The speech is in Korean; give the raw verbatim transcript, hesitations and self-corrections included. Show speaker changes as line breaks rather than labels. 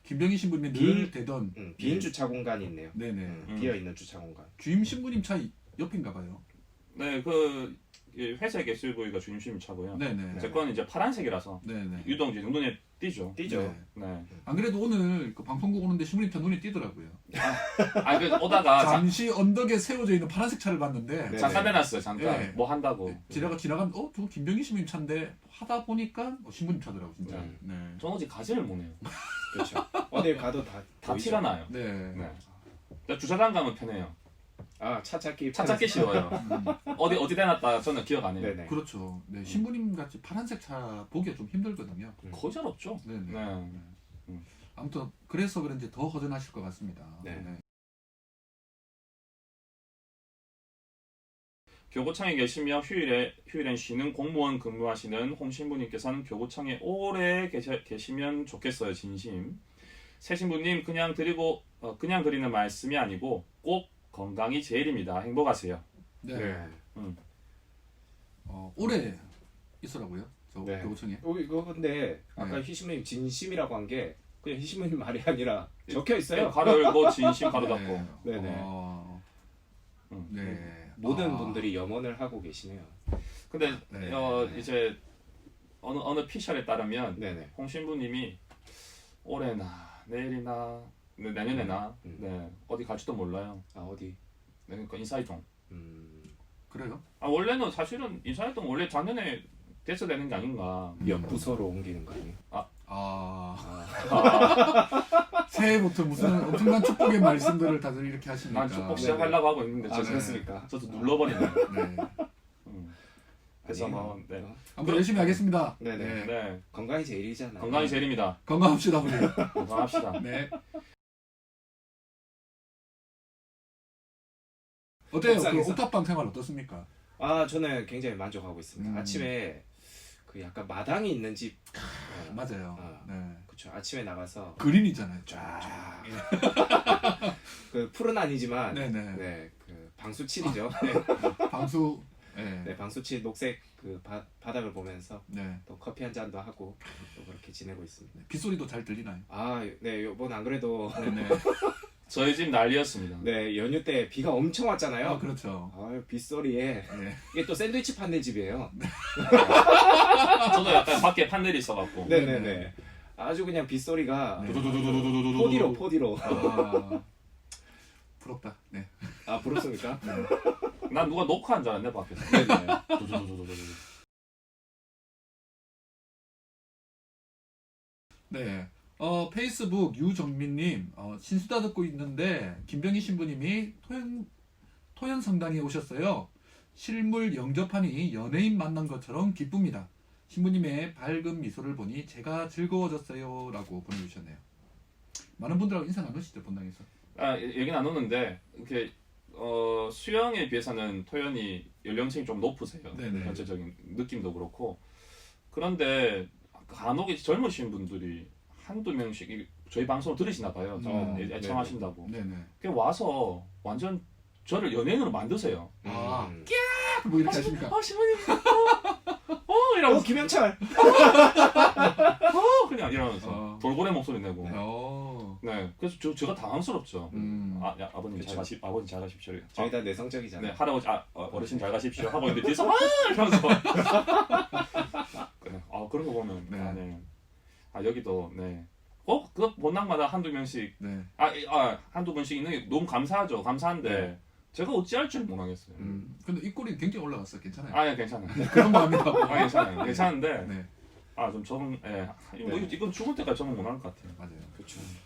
김병희 신부님이
빈-
늘 되던
음, 빈 주차 공간이 있네요.
네네.
음,
음.
비어 있는 주차 공간.
주임 신부님 차 옆인가 봐요.
네, 그 회색 에스유브이가 주임 신부 차고요.
네네.
제 거는 이제 파란색이라서
네네.
유독 이제 눈에 띄죠.
띄죠.
네.
네.
안 그래도 오늘 그 방송국 오는데 신부님 차 눈에 띄더라고요.
아, 그 오다가 자,
잠시 언덕에 세워져 있는 파란색 차를 봤는데
네.
잠깐 해놨어요. 잠깐
네.
뭐 한다고.
지나가 지나가면 어 저거 김병희 신부님 차인데 하다 보니까 어, 신부님 차더라고 진짜.
음.
네.
저는 어디 가지를 못해요.
그렇죠. 어딜 가도 다
다
보이죠?
티가 나요.
네.
네. 그러니까 주차장 가면 편해요.
아, 차 찾기.
차 찾기 쉬워요.
음,
어디 어디 대놨다 저는 기억 안 해요.
네네.
그렇죠. 네. 신부님 같이 파란색 차 보기가 좀 힘들거든요.
거의 잘 없죠.
네네.
네.
아무튼 그래서 그런지 더 허전하실 것 같습니다.
네.
네.
교구청에 계시며 휴일에 휴일엔 쉬는 공무원 근무하시는 홍 신부님께서는 교구청에 오래 계셔, 계시면 좋겠어요. 진심. 새 신부님 그냥 드리고 어, 그냥 드리는 말씀이 아니고 꼭 건강이 제일입니다. 행복하세요.
네.
네.
어, 오래 있으라고요. 저
네.
교구청에.
어, 이거 근데 아까
네.
희신부님 진심이라고 한 게 그냥 희신부님 말이 아니라 적혀 있어요.
가로 열고 진심 가로 닫고.
네네.
어,
음.
네.
모든
아,
분들이 염원을 하고 계시네요.
근데
네.
어, 이제 어느 어느 피셜에 따르면
네네.
홍 신부님이 올해나 내일이나 네, 내년에나
음.
네, 어디 갈지도 몰라요.
아, 어디?
네, 그러니까 인사이동.
음,
그래요?
아 원래는 사실은 인사이동 원래 작년에 돼서 되는 게 아닌가.
옆 부서로 옮기는 거 아니에요?
아,
아,
아,
새해부터 무슨 엄청난 축복의 말씀들을 다들 이렇게 하시니까.
난 축복
네.
시작하려고 하고 있는데
아,
저도
그렇습니까?
저도 눌러버리네.
네.
음. 그래서
아니에요.
뭐 네.
어?
아무튼 열심히 하겠습니다.
네네.
네.
건강이 제일이잖아요.
건강이 제일입니다.
건강합시다 우리.
건강합시다.
네. 어때요? 그
옥상에서?
옥탑방 생활 어떻습니까?
아, 저는 굉장히 만족하고 있습니다.
음.
아침에 그 약간 마당이 있는 집. 어,
맞아요.
아.
네.
그쵸. 아침에 나가서
그린이잖아요.
쫙. 그 풀은 아니지만
네네.
네, 그 방수칠이죠.
방수. 네.
네, 방수칠 녹색 그 바, 바닥을 보면서
네.
또 커피 한 잔도 하고 또 그렇게 지내고 있습니다.
빗소리도 잘 들리나요?
아, 네, 요번 안 그래도
네네.
저희 집 난리였습니다.
네, 연휴 때 비가 엄청 왔잖아요.
아 그렇죠.
아, 빗소리에
네.
이게 또 샌드위치 판넬 집이에요.
저도 약간 밖에 판넬이 있어갖고.
네, 네, 네. 아주 그냥 빗소리가
네.
포디로 포디로.
아, 부럽다. 네.
아, 부럽습니까?
난 누가 녹화한 줄 알았네 밖에서.
네, 네.
네. 어 페이스북 유정민님 어, 신수다 듣고 있는데 김병희 신부님이 토연 토연 성당에 오셨어요. 실물 영접하니 연예인 만난 것처럼 기쁩니다. 신부님의 밝은 미소를 보니 제가 즐거워졌어요라고 보내주셨네요. 많은 분들하고 인사 나누시죠 본당에서.
아 얘기 나누는데 이렇게 어, 수영에 비해서는 토연이 연령층이 좀 높으세요.
네네.
전체적인 느낌도 그렇고. 그런데 간혹 이제 젊으신 분들이 한두 명씩 이- 저희 방송을 들으시나 봐요. 저
어,
애- 애청하신다고.
네네.
그 와서 완전 저를 연예인으로 만드세요.
아.
음.
뭐 이렇게 하십니까?
아 신부님. 어, 어
어,
이러면서
김영철.
어 그냥 이러면서
어.
돌고래 목소리 내고.
어.
네. 그래서 저 제가 당황스럽죠.
음.
아, 야, 아버님
그쵸.
잘 가시, 아버님 잘 가십시오.
저희
아,
다 내성적이잖아요.
네, 할아버지, 아, 어, 어르신 잘 가십시오. 하고 있는데 뒤에서 아 이러면서. 네, 아 그런 거 보면
네.
아, 네. 아 여기도 네. 어, 그 본당마다 한두 명씩,
네.
아, 이- 아 한두 분씩 있는 게 너무 감사하죠. 감사한데
네.
제가 어찌할 줄 모르겠어요.
음. 근데 입꼬리 굉장히 올라갔어. 괜찮아요.
아, 예, 괜찮아요.
그런 마음이라고.
아, 괜찮아요. 괜찮은데,
네.
아, 좀 적응, 예, 뭐
네.
이건 죽을 때까지 적응 못할 것 같아요.
맞아요.
그렇죠.